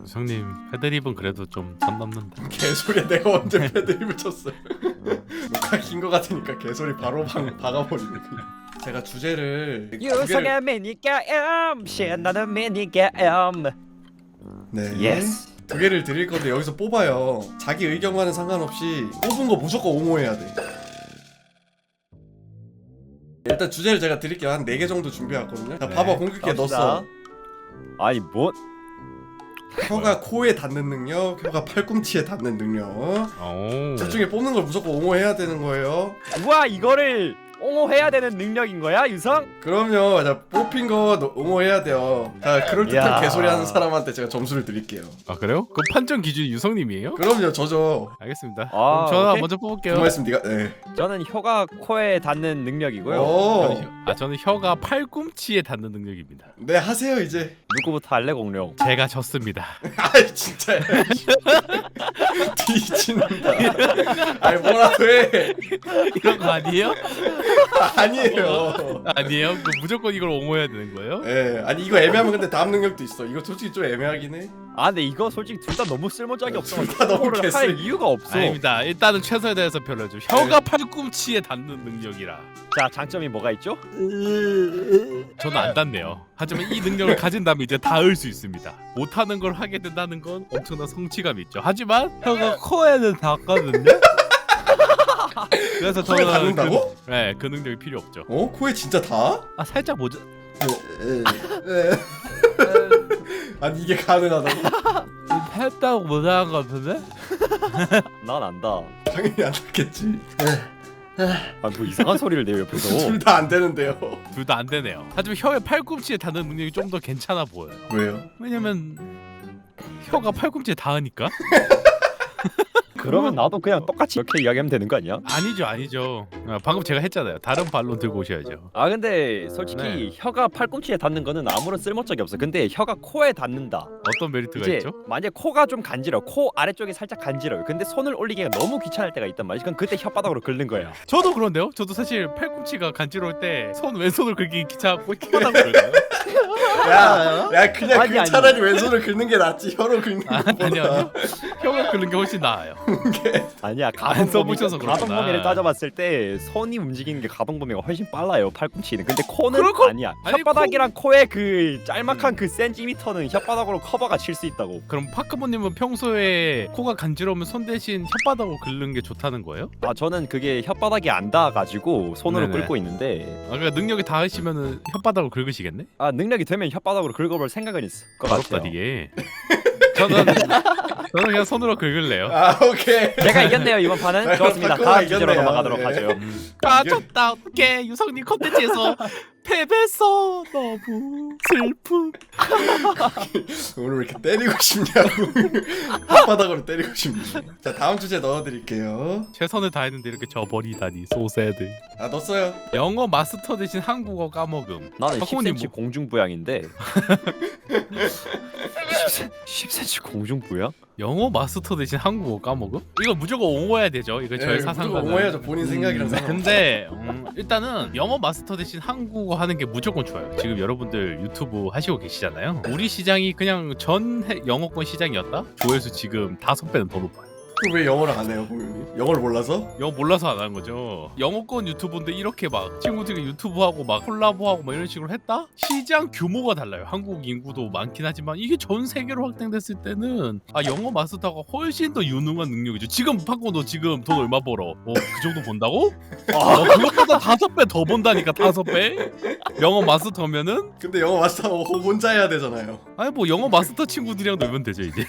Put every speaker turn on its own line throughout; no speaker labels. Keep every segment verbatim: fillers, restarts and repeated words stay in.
유성님 패드립은 그래도 좀 선 넘는다.
개소리야. 내가 언제 패드립을 쳤어요. 녹화 긴 거 같으니까 개소리 바로 방, 박아버리네 그냥. 제가 주제를 두 개를-
유성의 미니게임 신나는 미니게임.
네.
예스.
두 개를 드릴 건데 여기서 뽑아요. 자기 의견과는 상관없이 뽑은 거 무조건 옹호해야 돼. 일단 주제를 제가 드릴게요. 한 네 개 정도 준비해왔거든요. 자,
네.
봐봐. 공격기에
갑시다.
넣었어.
아니 뭐?
혀가 코에 닿는 능력, 혀가 팔꿈치에 닿는 능력.
오.
둘 중에 뽑는 걸 무조건 옹호해야 되는 거예요.
우와 이거를 옹호해야 되는 능력인 거야 유성?
그럼요. 자, 뽑힌 거 너- 옹호해야 돼요. 자, 그럴듯한
야.
개소리 하는 사람한테 제가 점수를 드릴게요.
아 그래요? 그 판정 기준이 유성님이에요?
그럼요. 저죠.
알겠습니다.
아,
그럼 저는
오케이.
먼저 뽑을게요.
정말씀 네가 네.
저는 혀가 코에 닿는 능력이고요.
오.
저는 혀- 아 저는 혀가 팔꿈치에 닿는 능력입니다.
네, 하세요 이제.
누구부터 할래 공룡?
제가 졌습니다.
아이 진짜. 뒤진다. 아이 뭐라고 해.
이런 거 아니에요?
아니에요.
아니에요? 그 무조건 이걸 옹호해야 되는 거예요?
예, 아니 이거 애매하면 근데 다음 능력도 있어. 이거 솔직히 좀 애매하긴 해.
아 근데 이거 솔직히 둘 다 너무 쓸모짝이 없어.
둘다 너무
옹호를 할
개쓰레기.
이유가 없어.
아닙니다. 일단은 최선에 대해서 별로죠. 혀가 팔꿈치에 닿는 능력이라.
자 장점이 뭐가 있죠?
저는 안 닿네요. 하지만 이 능력을 가진다면 이제 닿을 수 있습니다. 못하는 걸 하게 된다는 건 엄청난 성취감이 있죠. 하지만 혀가 코에는 닿거든요. 그래서
코에
저는
닿는다고?
그, 네, 그 능력이 필요 없죠.
어? 코에 진짜 다?
아 살짝 모자.
아니 이게 가능하다고?
했다고 못한 것 같은데?
난 안다.
당연히 안 닿겠지.
아뭐 이상한 소리를 내요 옆에서.
둘 다 안 되는데요.
둘 다 안 되네요. 하지만 혀의 팔꿈치에 닿는 능력이 좀 더 괜찮아 보여요.
왜요?
왜냐면 혀가 팔꿈치에 닿으니까?
그러면 나도 그냥 똑같이 이렇게 이야기하면 되는 거 아니야?
아니죠, 아니죠. 아, 방금 제가 했잖아요. 다른 반론 들고 오셔야죠.
아 근데 솔직히
네.
혀가 팔꿈치에 닿는 거는 아무런 쓸모짝이 없어. 근데 혀가 코에 닿는다.
어떤 메리트가
이제
있죠?
만약 코가 좀 간지러, 코 아래쪽이 살짝 간지러요. 근데 손을 올리기가 너무 귀찮을 때가 있단 말이야. 그럼 그때 혓바닥으로 긁는 거야.
저도 그런데요. 저도 사실 팔꿈치가 간지러울 때 손 왼손을 긁기 귀찮고 혓바닥으로 긁어요.
야, 야 그냥
아니,
그
아니.
차라리 왼손을 긁는 게 낫지. 혀로 긁는
아,
것보다.
아니요, 아니요. 혀가 긁는 게 훨씬 나아요.
아니야
안 써보셔서
가동 범위,
그렇구나.
가동 범위를 따져봤을 때 손이 움직이는 게 가동 범위가 훨씬 빨라요. 팔꿈치는. 근데 코는
그럴 거-
아니야.
아니,
혓바닥이랑 코... 의그 짤막한 그 센티미터는 혓바닥으로 커버가 칠 수 있다고.
그럼 파크모님은 평소에 코가 간지러우면 손 대신 혓바닥으로 긁는 게 좋다는 거예요?
아 저는 그게 혓바닥이 안 닿아가지고 손으로
네네.
긁고 있는데
아, 그러니까 능력이 닿으시면은 혓바닥으로 긁으시겠네?
아 능력이 되면 혓바닥으로 긁어볼 생각은 있을 것
어렵다
같아요.
이게. 저는 저는 그냥 손으로 긁을래요.
아 오케이.
제가 이겼네요 이번 판은.
아,
좋습니다.
바꾸고
다음 주제로
이겼네요.
넘어가도록
네.
하죠.
아 졌다. 어떡해. 유성님 컨텐츠에서 패배했어. 너무 슬픔.
오늘 왜 이렇게 때리고 싶냐고. 혓바닥으로 때리고 싶니. 자 다음 주제 넣어드릴게요.
최선을 다했는데 이렇게 져버리다니 소새드.
아 넣었어요.
영어 마스터 대신 한국어 까먹음.
나는 십
박홍님
센티미터
뭐-
공중부양인데 십 센티미터 공중부양?
영어 마스터 대신 한국어 까먹음? 이거 무조건 옹호해야 되죠. 이거 저의
예,
사상과는.
무조건 옹호해야죠. 본인 생각이랑
음,
상관없어.
근데 음, 일단은 영어 마스터 대신 한국어 하는 게 무조건 좋아요. 지금 여러분들 유튜브 하시고 계시잖아요. 우리 시장이 그냥 전 해- 영어권 시장이었다? 조회수 지금 다섯 배는 더 높아요.
그럼 왜 영어를 안 해요, 공유님? 영어를 몰라서?
영어 몰라서 안 하는 거죠. 영어권 유튜브인데 이렇게 막 친구들이 유튜브하고 막 콜라보하고 막 이런 식으로 했다? 시장 규모가 달라요. 한국 인구도 많긴 하지만 이게 전 세계로 확장됐을 때는 아 영어 마스터가 훨씬 더 유능한 능력이죠. 지금 파고 너 지금 돈 얼마 벌어? 어, 그 정도 번다고? 어, 그것보다 다섯 배 더 번다니까 다섯 배? 영어 마스터면은
근데 영어 마스터 혼자 해야 되잖아요.
아니 뭐 영어 마스터 친구들이랑 놀면 되죠 이제.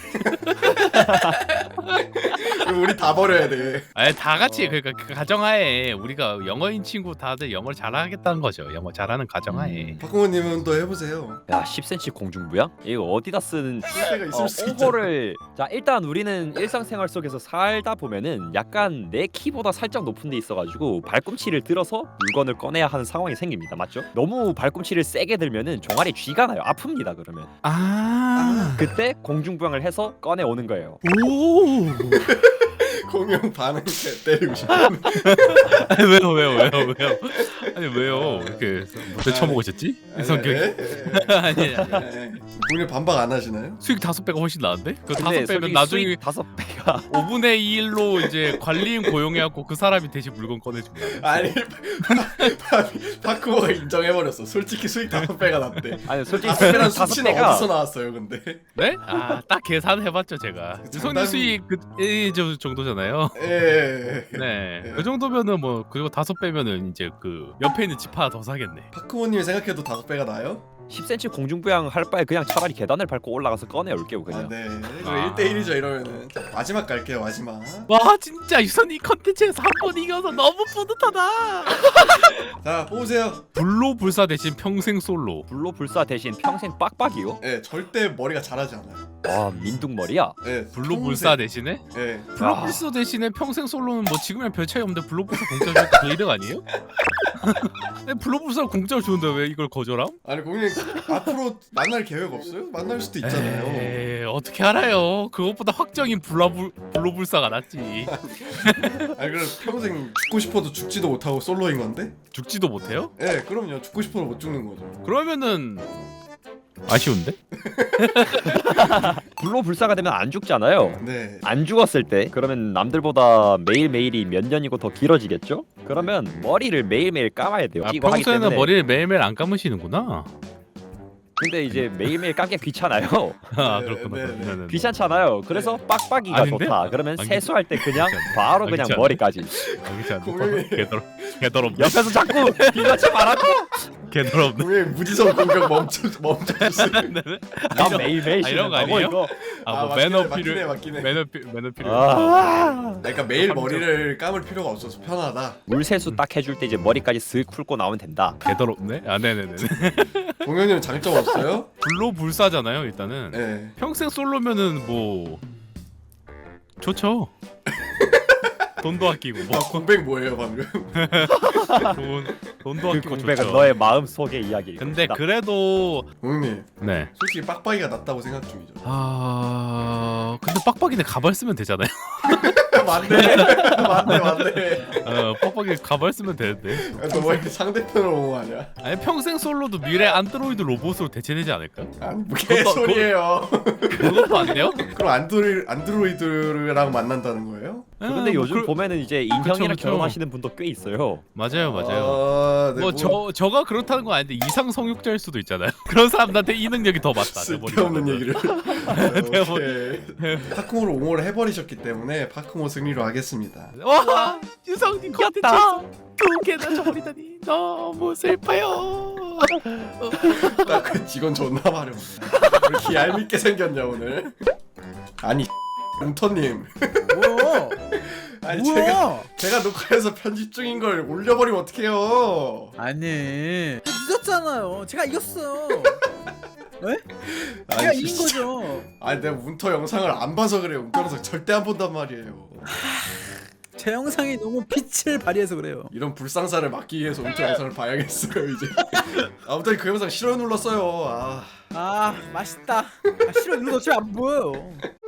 그럼 우리 다 버려야 돼.
아니 다 같이
어.
그러니까 그 가정하에 우리가 영어인 친구 다들 영어를 잘하겠다는 거죠. 영어 잘하는 가정하에.
박공호님은 또 해보세요.
야 십 센티미터 공중부양? 이거 어디다 쓰는
쓸 때가 있을
어,
수 있잖아.
홍보를 자 일단 우리는 일상생활 속에서 살다 보면은 약간 내 키보다 살짝 높은 데 있어가지고 발꿈치를 들어서 물건을 꺼내야 하는 상황이 생깁니다. 맞죠? 너무 발꿈치를 세게 들면은 종아리 쥐가 나요. 아픕니다. 그러면
아.
그때 공중부양을 해서 꺼내 오는 거예요.
오.
공룡 반응 때 때리고 싶어.
아니 왜요 왜요 왜요 왜요? 아니 왜요? 이렇게 못대 쳐먹으셨지? 이 성격이? 아니 아니.
공룡 반박 안 하시나요?
수익 다섯 배가 훨씬 나은데? 그 다섯
근데
배면
솔직히
나중에
수익 다섯 배가
오분의 일로 이제 관리인 고용해갖고 그 사람이 대신 물건 꺼내준다.
아니 파크모가 인정해버렸어. 솔직히 수익 다섯 배가 낫대.
아니 솔직히
다섯 배란
다섯
수치는
배가
어디서 나왔어요, 근데?
네? 아 딱 계산해봤죠 제가. 유성님 수익 그이 정도잖아요.
예.
네.
예.
그 정도면은 뭐 그리고 다섯 배면은 이제 그 옆에 있는 집 하나 더 사겠네.
파크모님이 생각해도 다섯 배가 나요?
십 센티미터 공중부양 할 바에 그냥 차라리 계단을 밟고 올라가서 꺼내 올게요 그냥.
아, 네.
아.
일 대 일이죠 이러면은. 자, 마지막 갈게요, 마지막.
와 진짜 유선이 컨텐츠에서 한 번 이겨서 너무 뿌듯하다.
자, 뽑으세요.
불로불사 대신 평생 솔로.
불로불사 대신 평생 빡빡이요?
예, 절대 머리가 자라지 않아요.
와 민둥머리야?
예,
불로불사 대신에?
평생. 예.
불로불사 대신에 평생 솔로는 뭐 지금이랑 별 차이 없는데 불로불사 공짜를 주니까 그 이득 아니에요? 아니, 불로불사 공짜를 주는데 왜 이걸 거절함?
아니 공룡 앞으로 만날 계획 없어요? 만날 수도 있잖아요.
에이, 어떻게 알아요? 그것보다 확정인 불라불, 불로불사가 낫지.
아니 그럼 평생 죽고 싶어도 죽지도 못하고 솔로인 건데?
죽지도 못해요?
예, 그럼요. 죽고 싶어도 못 죽는 거죠.
그러면은 아쉬운데?
불로불사가 되면 안 죽잖아요.
네.
안 죽었을 때 그러면 남들보다 매일매일이 몇 년이고 더 길어지겠죠? 그러면 머리를 매일매일 감아야 돼요.
아,
이거 하기
평소에는
때문에.
머리를 매일매일 안 감으시는구나.
근데 이제 매일매일 감기 귀찮아요.
아
네,
그렇구나.
네, 네.
네네네.
귀찮잖아요. 그래서 빡빡이가
아닌데?
좋다. 그러면
안
세수할 때 그냥
괜찮아.
바로
안
그냥
괜찮아.
머리까지.
여기지 않는
공룡이-
개더럽 개더럽
옆에서 자꾸 비맞지 말라고.
개더럽.
공룡 무지성 공격 멈춰 멈춰주세요.
난 매일매일
아, 이런 거
씻는다고
아니에요?
이거.
아뭐
맞긴 해,
매너
맞긴
필요
해, 맞긴 해.
매너 필 매너 필요.
아.
그러니까 매일
감정.
머리를 감을 필요가 없어서 편하다.
물 세수 딱 해줄 때 이제 머리까지 슥 풀고 나오면 된다.
개더럽네. 아 네네네.
공룡님 장점 없어요?
불로불사잖아요 일단은.
네.
평생 솔로면은 뭐 좋죠. 돈도 아끼고
아
뭐
공백 뭐예요 방금?
돈 돈도
그
아끼고
공백은
좋죠.
너의 마음 속의 이야기.
근데 그래도
공룡님
네.
솔직히 빡빡이가 낫다고 생각 중이죠.
아 근데 빡빡이네 가발 쓰면 되잖아요.
맞네 맞네 맞네.
어 빡빡이 가발 쓰면 되는데.
너뭐 이렇게 상대편으로 옹호하냐?
아니 평생 솔로도 미래 안드로이드 로봇으로 대체되지 않을까?
아니 뭐 개소리예요.
그것도 안 돼요?
그럼 안드로이, 안드로이드랑 만난다는 거예요?
근데
아,
요즘
뭐 그-
보면은 이제 인형이랑
그쵸.
결혼하시는 분도 꽤 있어요.
맞아요 맞아요.
아, 네,
뭐 저 저가 그렇다는 건 아닌데 이상 성욕자일 수도 있잖아요. 그런 사람한테 이 능력이 더 맞다. 내
쓸데없는
머리로는.
얘기를.
내
오케이. 파크모를 옹호를 해버리셨기 때문에 파크모 승리로 하겠습니다.
와 유성님 컨텐츠에서 두 개나 저버리다니 너무 슬퍼요.
딱 그 직원 존나 마려워. 왜 이렇게 얄밉게 생겼냐 오늘? 아니 웅터님.
뭐야?
아니 제가
뭐야?
제가 녹화해서 편집 중인 걸 올려버리면 어떡해요?
아니 늦었잖아요. 제가 이겼어요. 왜? 제가
아니,
이긴
진짜.
거죠.
아니 내가 운터 영상을 안 봐서 그래요. 운터 영상 절대 안 본단 말이에요.
제 영상이 너무 빛을 발휘해서 그래요.
이런 불상사를 막기 위해서 운터 영상을 봐야겠어요 이제. 아무튼 그 영상 싫어 눌렀어요. 아.
아 맛있다. 아, 싫어 이거 어차피 안 보여요.